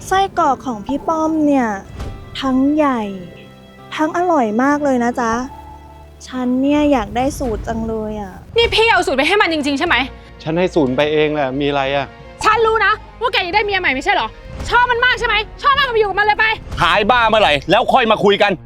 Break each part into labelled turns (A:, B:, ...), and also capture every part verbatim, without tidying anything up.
A: ไส้กรอกของพี่ป้อมเนี่ยทั้งใหญ่ทั้งอร่อยมากเลยนะจ๊ะฉันเนี่ยอยากได้สูตรจังเลยอ่ะ
B: นี่พี่เอาสูตรไปให้มันจริงๆใช่ไหม
C: ฉันให้ศูนย์ไปเองแหละมีอะไรอะ
B: ฉันรู้นะว่าแกอยากได้เมียใหม่ไม่ใช่เหรอชอบมันมากใช่ไหมชอบมากก็ไปอยู่กับมันเลยไป
D: หายบ้าเมื่อไหร่แล้วค่อยมาคุยกัน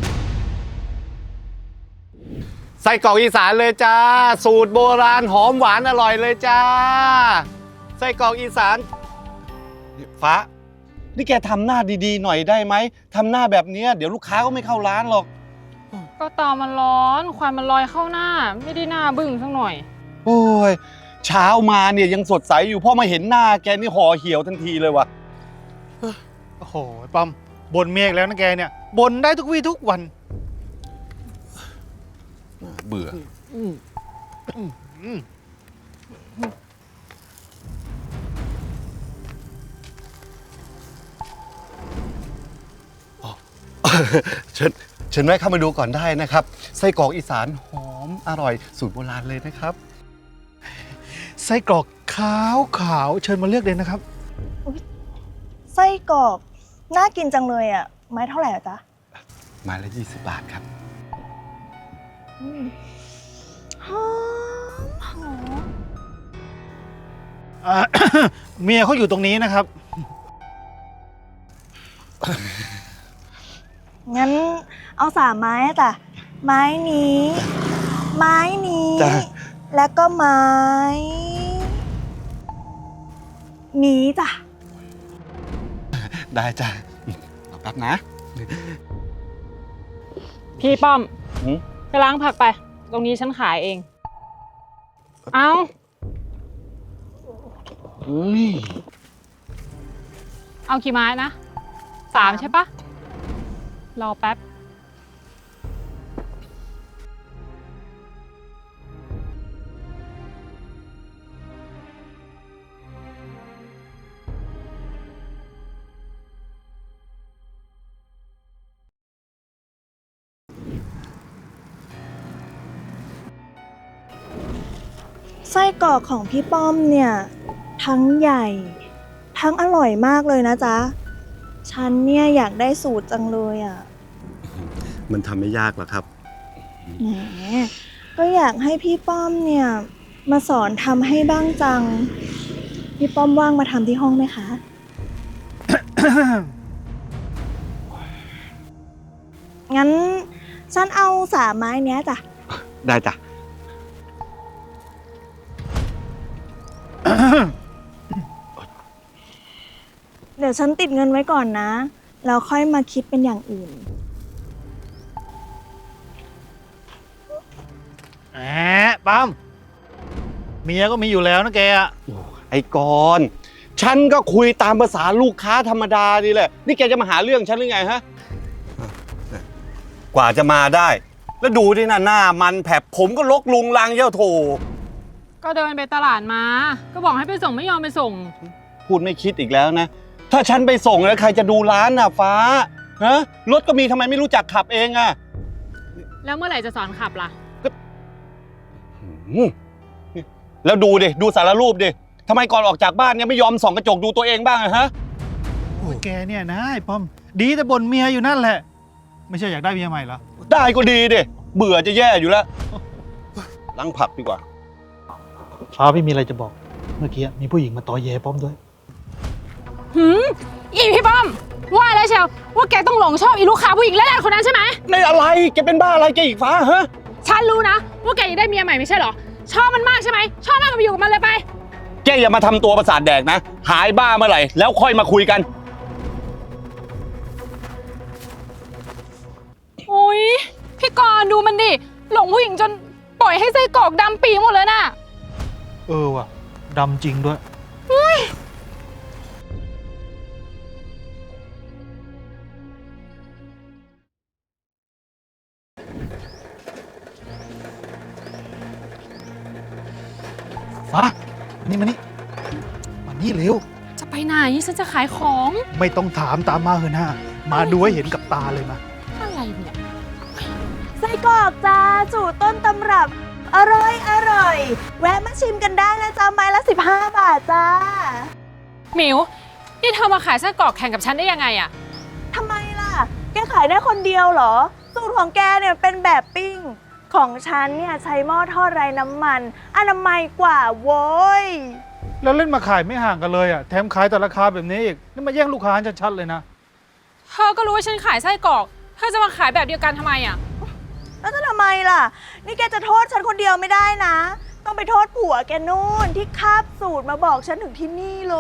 C: ไส้กรอกอีสานเลยจ้าสูตรโบราณหอมหวานอร่อยเลยจ้าไส้กรอกอีสานฟ้านี่แกทำหน้าดีๆหน่อยได้ไหมทำหน้าแบบนี้เดี๋ยวลูกค้าก็ไม่เข้าร้านหรอก
B: ก็ตามันร้อนควันมันลอยเข้าหน้าไม่ได้หน้าบึ้งสักหน่อย
C: โอ้ยเช้ามาเนี่ยยังสดใสอยู่พอมาเห็นหน้าแกนี่ห่อเหี่ยวทันทีเลยวะ
E: โอ้โหป้อมบ่นเมียอีกแล้วนะแกเนี่ยบ่นได้ทุกวี่ทุกวัน
C: เบื่อเชิญเชิญแวะเข้ามาดูก่อนได้นะครับไส้กรอกอีสานหอมอร่อยสูตรโบราณเลยนะครับ
E: ไส้กรอกขาวขาวเชิญมาเลือกเลยนะครับ
A: ไส้กรอกน่ากินจังเลยอ่ะไม้เท่าไหร่อะจ๊ะ
C: ไม้ละยี่สิบบาทครับ
A: หอมหอม
E: อ่า เมียเขาอยู่ตรงนี้นะครับ
A: งั้นเอาสามไม้อะจ้ะไม้นี้ ไม้นี้ แล้วก็ไม้ นี้จ้ะ
C: ได้จ้ะรอแป๊บนะ
B: พี่ป้อมไปล้างผักไปตรงนี้ฉันขายเองเอาเอากี่ไม้นะสามใช่ปะรอแป๊บ
A: ไส้กรอกของพี่ป้อมเนี่ยทั้งใหญ่ทั้งอร่อยมากเลยนะจ๊ะฉันเนี่ยอยากได้สูตรจังเลยอ่ะ
C: มันทำไม่ยากหรอกครับ
A: แหมก็อยากให้พี่ป้อมเนี่ยมาสอนทำให้บ้างจังพี่ป้อมว่างมาทำที่ห้องไหมคะ งั้นฉันเอาสามไม้เนี้ยจ้ะ
C: ได้จ้ะ
A: เดี๋ยวฉันติดเงินไว้ก่อนนะแล้วค่อยมาคิดเป็นอย่างอื่น
E: แหมปั๊มเมียก็มีอยู่แล้วนะแกอะ
C: ไอ้กรณ์ฉันก็คุยตามภาษาลูกค้าธรรมดานี่แหละนี่แกจะมาหาเรื่องฉันหรือไงฮะกว่าจะมาได้แล้วดูดินะหน้ามันแผบผมก็ลกลุงลังเย้าโถ
B: ก็เดินไปตลาดมาก็บอกให้ไปส่งไม่ยอมไปส่ง
C: พูดไม่คิดอีกแล้วนะถ้าฉันไปส่งแล้วใครจะดูร้านน่ะฟ้าฮะรถก็มีทำไมไม่รู้จักขับเองอะ
B: แล้วเมื่อไหร่จะสอนขับล่ะ
C: แล้วดูดิดูสารรูปดิทำไมก่อนออกจากบ้านเนี่ยไม่ยอมส่องกระจกดูตัวเองบ้างอะฮะ
E: โอ้ยแกเนี่ยนะไอ้ป้อมดีแต่บ่นเมียอยู่นั่นแหละไม่ใช่อยากได้เมียใหม่เหรอ
C: ได้ก็ดีดิเบื่อจะแย่อยู่แล้วล้างผักดีกว่า
E: ฟ้าพี่มีอะไรจะบอกเมื่อกี้มีผู้หญิงมาต่อแย่ป้อมด้วย
B: หืมอีพี่ป้อมว่าแล้วเชียวว่าแกต้องหลงชอบอีลูกค้าผู้หญิงแรกๆคนนั้นใช่ไหม
C: ในอะไรแกเป็นบ้าอะไรแกอีกฟ้าฮะ
B: ฉันรู้นะว่าแกอยากได้เมียใหม่ไม่ใช่เหรอชอบมันมากใช่ไหมชอบมากก็ไปอยู่กับมันเลยไป
C: แกอย่ามาทำตัวประสาทแดกนะหายบ้าเมื่อไหร่แล้วค่อยมาคุยกัน
B: โอ้ยพี่กรณ์ดูมันดิหลงผู้หญิงจนปล่อยให้ไส้กรอกดำปีหมดเลยน่ะ
E: เออว่ะดำจริงด้วยฟ้านี่มานี่มานี่เร็ว
B: จะไปไหนฉันจะขายของ
E: ไม่ต้องถามตามมาเถอะนะมาดูให้เห็นกับตาเลยมา
B: อะไรเนี่ย
A: ไส้กรอกจ้าสูตรต้นตำรับอร่อยอร่อยแวะมาชิมกันได้นะจ้าไม้ละสิบห้าบาทจ้า
B: หมิวนี่เธอมาขายไส้กรอกแข่งกับฉันได้ยังไงอะ
A: ทำไมล่ะ แกขายได้คนเดียวเหรอ สูตรของแกเนี่ยเป็นแบบปิ้ง ของฉันเนี่ยใช้หม้อทอดไร้น้ำมัน อนามัยกว่าโว้ย
E: แล้วเล่นมาขายไม่ห่างกันเลยอ่ะ แถมขายแต่ราคาแบบนี้อีก นี่มาแย่งลูกค้าชัดๆเลยนะ
B: เธอก็รู้ว่าฉันขายไส้กรอก เธอจะมาขายแบบเดียวกันทำไมอะ
A: แล้วจะทำไมล่ะ นี่แกจะโทษฉันคนเดียวไม่ได้นะ ต้องไปโทษผัวแกนู่นที่คาบสูตรมาบอกฉันถึงที่นี่เลย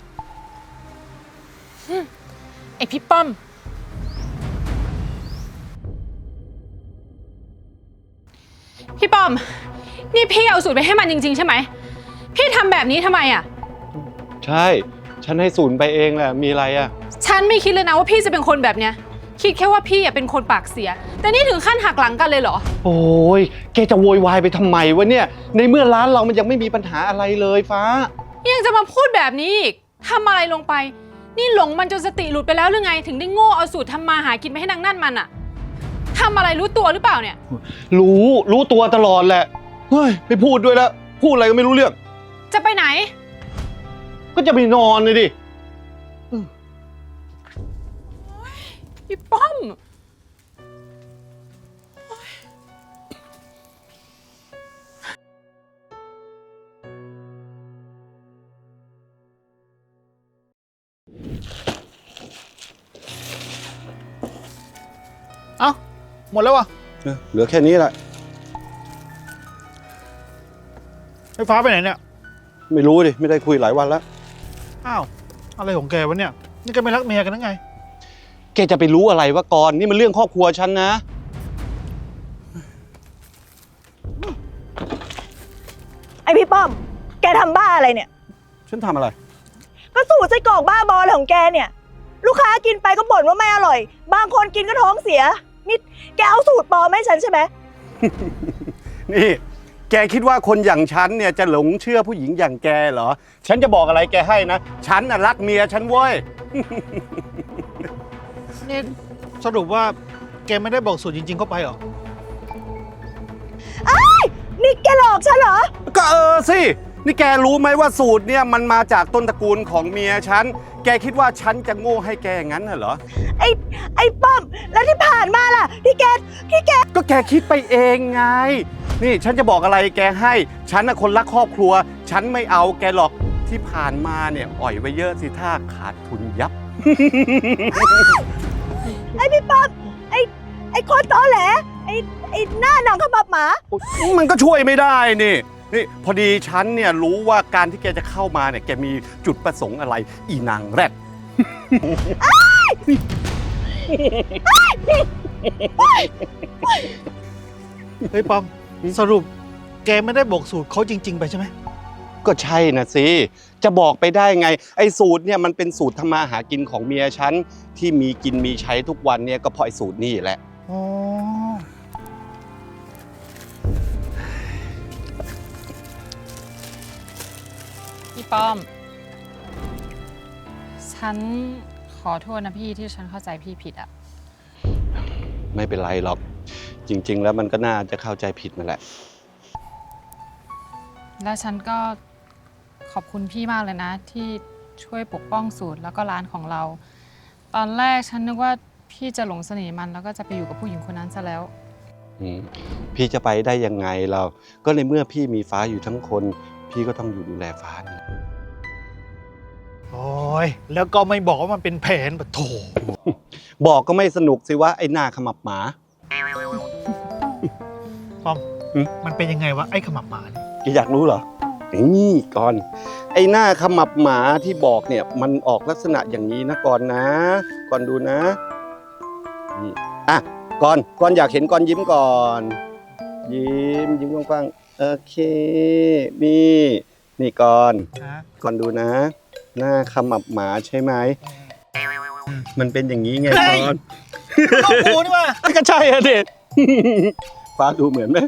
B: ไอพี่ป้อม พี่ป้อม นี่พี่เอาสูตรไปให้มันจริงๆใช่ไหม พี่ทำแบบนี้ทำไมอะ
C: ใช่ ฉันให้ศูนย์ไปเองแหละ มีอะไรอ่ะ
B: ฉันไม่คิดเลยนะว่าพี่จะเป็นคนแบบเนี้ย คิดแค่ว่าพี่อะเป็นคนปากเสีย แต่นี่ถึงขั้นหักหลังกันเลยเหรอ
C: โอ้ยแกจะโวยวายไปทำไมวะเนี่ย ในเมื่อร้านเรามันยังไม่มีปัญหาอะไรเลยฟ้า
B: ยังจะมาพูดแบบนี้อีกทำอะไรลงไป นี่หลงมันจนสติหลุดไปแล้วหรือไง ถึงได้โง่เอาสูตรทำมาหากินไปให้นางนั่นมันอะทำอะไรรู้ตัวหรือเปล่าเนี่ย
C: รู้ รู้ตัวตลอดแหละ เฮ้ย ไม่พูดด้วยแล้ว พูดอะไรก็ไม่รู้เรื่อง
B: จะไปไหน
C: ก็จะไปนอนเลยดิ
B: พี่ป้อม
E: เอ้า หมดแล้ววะ
C: เออเหลือแค่นี้แหละ
E: ไฟฟ้าไปไหนเนี่ย
C: ไม่รู้ดิ ไม่ได้คุยหลายวันแล้ว
E: อ้าว อะไรของแกวะเนี่ย นี่แกไม่รักเมียกันหรือไง
C: แกจะไปรู้อะไรวะก่อน นี่มันเรื่องครอบครัวฉันนะ
A: ไอพี่ป้อม แกทำบ้าอะไรเนี่ย
C: ฉันทำอะไร
A: ก็สูตรไส้กรอกบ้าบออะไรของแกเนี่ย ลูกค้ากินไปก็บ่นว่าไม่อร่อย บางคนกินก็ท้องเสีย นี่แกเอาสูตรปลอมให้ฉันใช่ไหม
C: นี่ แกคิดว่าคนอย่างฉันเนี่ยจะหลงเชื่อผู้หญิงอย่างแกเหรอ ฉันจะบอกอะไรแกให้นะ ฉันน่ะรักเมียฉันเว้ย
E: นี่สรุปว่าแกไม่ได้บอกสูตรจริงๆเข้าไปเหรอ
A: นี่แกหลอกฉันเหรอ
C: ก็เออสิ นี่แกรู้ไหมว่าสูตรเนี่ยมันมาจากต้นตระกูลของเมียฉัน แกคิดว่าฉันจะโง่ให้แกอย่างนั้นน่ะเหรอ
A: ไอ้ไอ้ป้อม แล้วที่ผ่านมาล่ะ ที่แกที่แก
C: ก็แกคิดไปเองไง นี่ฉันจะบอกอะไรแกให้ ฉันน่ะคนรักครอบครัว ฉันไม่เอาแกหรอก ที่ผ่านมาเนี่ยอ่อยไว้เยอะสิท่าขาดทุนยับ
A: ไอ้พี่ป้อม ไอ้ไอ้คนตอแหล ไอ้ไอ้หน้าหนังขมับหมา
C: มันก็ช่วยไม่ได้นี่ นี่พอดีฉันเนี่ยรู้ว่าการที่แกจะเข้ามาเนี่ยแกมีจุดประสงค์อะไร อีนางแรด
E: เฮ้ยปอม สรุปแกไม่ได้บอกสูตรเขาจริง ๆ ไปใช่ไหม
C: ก็ใช่นะสิ จะบอกไปได้ไง ไอ้สูตรเนี่ยมันเป็นสูตรทำมาหากินของเมียฉันที่มีกินมีใช้ทุกวันเนี่ยก็เพราะไอ้สูตรนี่แหละ
E: อ๋อ
B: พี่ป้อม ฉันขอโทษนะพี่ที่ฉันเข้าใจพี่ผิดอะ
C: ไม่เป็นไรหรอก จริง ๆ แล้วมันก็น่าจะเข้าใจผิดนั่นแหละ
B: แล้วฉันก็ขอบคุณพี่มากเลยนะ ที่ช่วยปกป้องสูตรแล้วก็ร้านของเรา ตอนแรกฉันนึกว่าพี่จะหลงเสน่ห์มันแล้วก็จะไปอยู่กับผู้หญิงคนนั้นซะแล้ว
C: อืมพี่จะไปได้ยังไงเรา ก็ในเมื่อพี่มีฟ้าอยู่ทั้งคน พี่ก็ต้องอยู่ดูแลฟ้านี่
E: โอ้ย แล้วก็ไม่บอกว่ามันเป็นแผนปะโถ
C: บอกก็ไม่สนุกสิว่าไอ้หน้าขมับหมา
E: ปอม
C: หึ
E: มันเป็นยังไงวะ ไอ้ขมับหมาเนี่ย
C: แกอยากรู้เหรอ นี่ก่อน ไอ้หน้าขมับหมาที่บอกเนี่ย มันออกลักษณะอย่างนี้นะก่อนนะ ก่อนดูนะ นี่อ่ะก่อนก่อนอยากเห็นก่อนยิ้มก่อน ยิ้มยิ้มกว้างๆโอเค นี่ นี่ก่อน
E: ฮะ
C: ก่อนดูนะ หน้าขมับหมาใช่ไหม มันเป็นอย่างนี้ไง
E: เฮ้ย
C: ก่อน
E: โอ้โหนี่ว่า
C: ก็ใช่อะเด็ด ฟ้าดูเหมือนไหม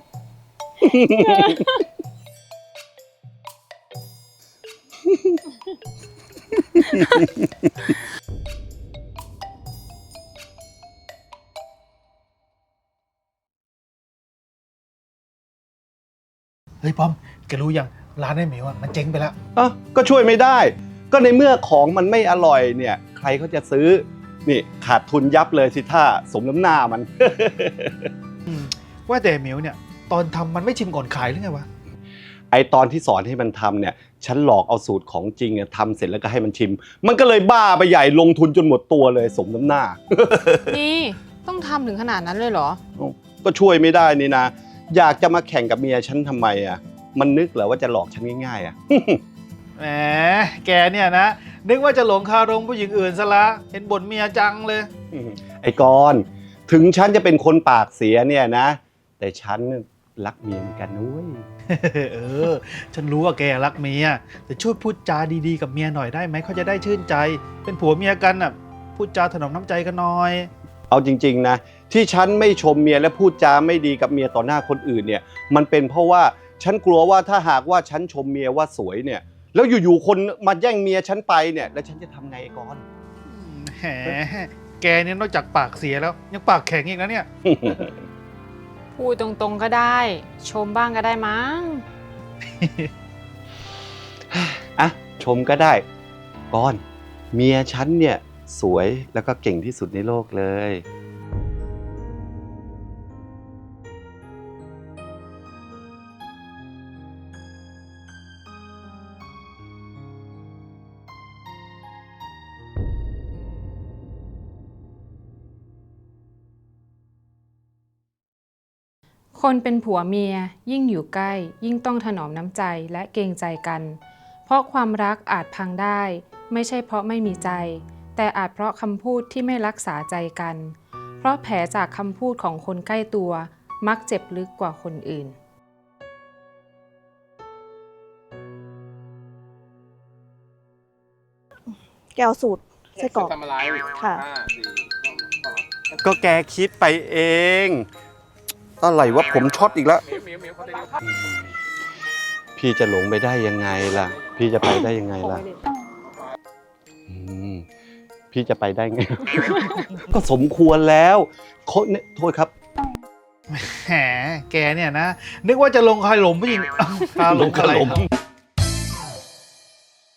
E: เฮ้ยปอม แกรู้ยัง ร้านไอ้เหมียวอะมันเจ๊งไปแล้ว
C: อ่ะก็ช่วยไม่ได้ก็ในเมื่อของมันไม่อร่อยเนี่ย ใครเขาจะซื้อ นี่ขาดทุนยับเลยสิท่าสมน้ำหน้ามัน
E: อืมว่าแต่เหมียวเนี่ย ตอนทำมันไม่ชิมก่อนขายหรือไงวะ
C: ไอตอนที่สอนให้มันทำเนี่ย ฉันหลอกเอาสูตรของจริงอะทำเสร็จแล้วก็ให้มันชิม มันก็เลยบ้าไปใหญ่ลงทุนจนหมดตัวเลยสมน้ำหน้า
B: นี่ต้องทำถึงขนาดนั้นเลยเหรอ
C: ก็ช่วยไม่ได้นี่นะ อยากจะมาแข่งกับเมียฉันทำไมอ่ะ มันนึกเหรอว่าจะหลอกฉันง่ายๆอ่ะ
E: แหม แกเนี่ยนะ นึกว่าจะหลงคารมผู้หญิงอื่นซะละ เห็นบ่นเมียจังเลย
C: ไอ้กรณ์ถึงฉันจะเป็นคนปากเสียเนี่ยนะ แต่ฉันรักเมียเหมือนกันนุ้ย
E: เออ ฉันรู้ว่าแกรักเมีย แต่ช่วยพูดจาดีๆกับเมียหน่อยได้ไหม เขาจะได้ชื่นใจ เป็นผัวเมียกันน่ะ พูดจาถนอมน้ำใจกันหน่อย
C: เอาจริงๆนะที่ฉันไม่ชมเมียและพูดจาไม่ดีกับเมียต่อหน้าคนอื่นเนี่ย มันเป็นเพราะว่าฉันกลัวว่าถ้าหากว่าฉันชมเมียว่าสวยเนี่ย แล้วอยู่ๆคนมาแย่งเมียฉันไปเนี่ย แล้วฉันจะทำไงไอ้กรณ์
E: แหม แกเนี่ยนอกจากปากเสียแล้ว ยังปากแข็งอีกนะเนี่ย
B: พูดตรงๆก็ได้ ชมบ้างก็ได้มั้ง
C: อ่ะชมก็ได้กรณ์เมียฉันเนี่ยสวยแล้วก็เก่งที่สุดในโลกเลย
B: คนเป็นผัวเมียยิ่งอยู่ใกล้ ยิ่งต้องถนอมน้ำใจและเกรงใจกัน เพราะความรักอาจพังได้ ไม่ใช่เพราะไม่มีใจ แต่อาจเพราะคำพูดที่ไม่รักษาใจกัน เพราะแผลจากคำพูดของคนใกล้ตัว มักเจ็บลึกกว่าคนอื่น
A: แกวสูตรไส้กรอกค่ะ
C: ก็แกคิดไปเอง อะไรวะผมช็อตอีกแล้ว พี่จะหลงไปได้ยังไงล่ะ พี่จะไปได้ยังไงล่ะอืมพี่จะไปได้ไง ก็สมควรแล้วโคเนี่ยโทษครับ
E: แหม แกเนี่ยนะ นึกว่าจะลงคารมผู้หญิง อ้าวคารมอะไรครับ